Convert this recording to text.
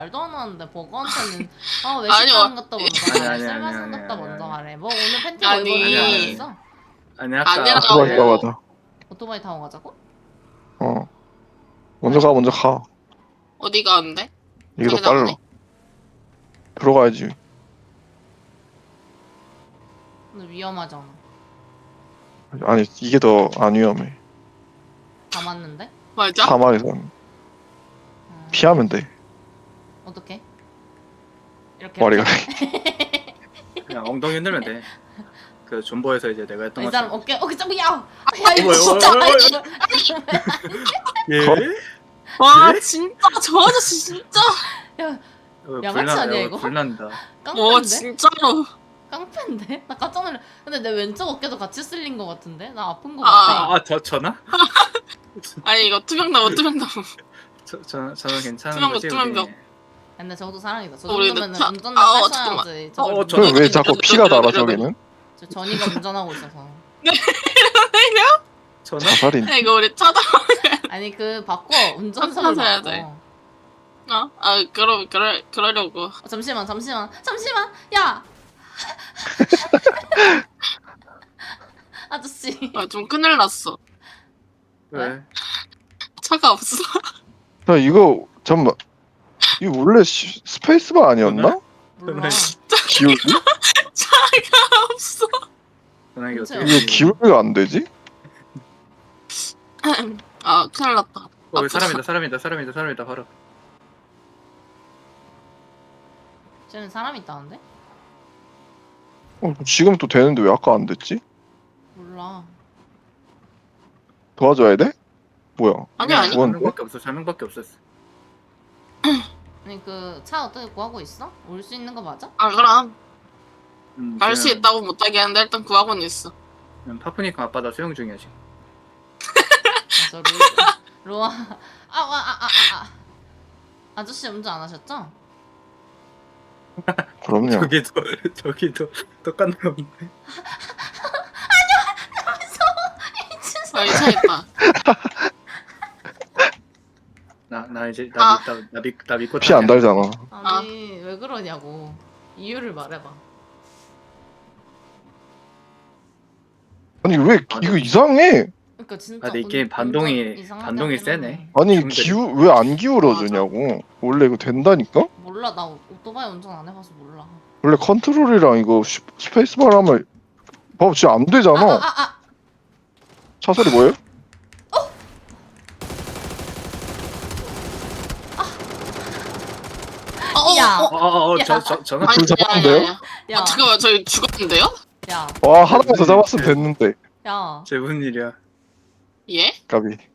말도 안 하는데 버거한테는 왜 아니요. 식당 갔다 먼저 하래? 아니, 술 마신 아니, 갔다 아니, 먼저 아니. 하래? 뭐 오늘 팬티 아니. 걸고 아니, 아니. 다녔어? 아니 아까 아니라고. 오토바이 타고 가자. 오토바이 타고 가자고? 먼저 가, 먼저 가. 어디 가는데? 이게 더 저기 빨라. 나오네. 들어가야지. 근데 위험하잖아. 아니, 이게 더 안 위험해. 다 맞는데? 맞아? 사막에선 피하면 돼. 어떻게? 이렇게 머리가. 그냥 엉덩이 흔들면 돼. 그 존버에서 이제 내가 했던 이 것처럼. 사람 어깨 좀 야 이거 뭐야, 진짜 뭐야, 이거 예? 와 진짜 저 아저씨 진짜. 양아치 아니야, 이거? 불난다. 와 깡패인데? 진짜로. 깡패인데? 나 깜짝 놀래. 근데 내 왼쪽 어깨도 같이 쓸린 거 같은데? 나 아픈 거 같아. 저나? 아니 이거 투명나무 투명나무. 저는 괜찮은 투명벽, 거지. 투명벽. 우리. 근데 저도 사랑이다. 저 우리 정도면 차- 운전대 잠깐만. 뺏어야지. 저는 그럼 왜 자꾸 피가 달아, 저기는? 저 전이가 운전하고 있어서. 저나? 자살인. 이거 우리 차다. 아니 그 바꿔 운전석을 사야 바꿔. 돼. 그러려고. 잠시만. 야 아저씨. 좀 큰일 났어. 왜? 차가 없어. 야, 이거, 잠깐만. 이거 원래 스페이스바 아니었나? 몰라. 기울기? 차가 없어. 저는 이게 어떻게? 진짜요? 이거 기울기가 안 되지? 큰일 났다. 왜 사람이다 바로. 쟤는 사람 있다는데? 지금 또 되는데 왜 아까 안 됐지? 몰라. 도와줘야 돼? 뭐야? 아니. 그건- 잘 명밖에 없었어. 아니 그 차 어떻게 구하고 있어? 올 수 있는 거 맞아? 그럼 갈 수 지금 있다고 못하게 하는데 일단 구하고는 있어. 파프니까 아빠다 수영 중이야 지금. 맞아 로아 아저씨 운전 안 하셨죠? 그럼요. 저기도 똑같은 거 없네. 이 차 있다. 나 이제 아. 나 믿고 피 안 달잖아. 아니 왜 그러냐고 이유를 말해봐. 아니, 왜, 이거 이상해? 그러니까 진짜 근데 이 게임 반동이 세네. 아니, 중대. 왜 안 기울어주냐고. 원래 이거 된다니까? 몰라 나 오토바이 운전 안 해봐서 몰라. 원래 컨트롤이랑 이거 스페이스바를 하면 봐봐, 진짜 안 되잖아. 차소리 뭐예요? 야. 저는 아니, 잡았는데요? 야, 잠깐만 저희 죽었는데요? 야, 와, 하나만 더 잡았으면 됐는데. 야. 제 무슨 일이야? 예? 까비.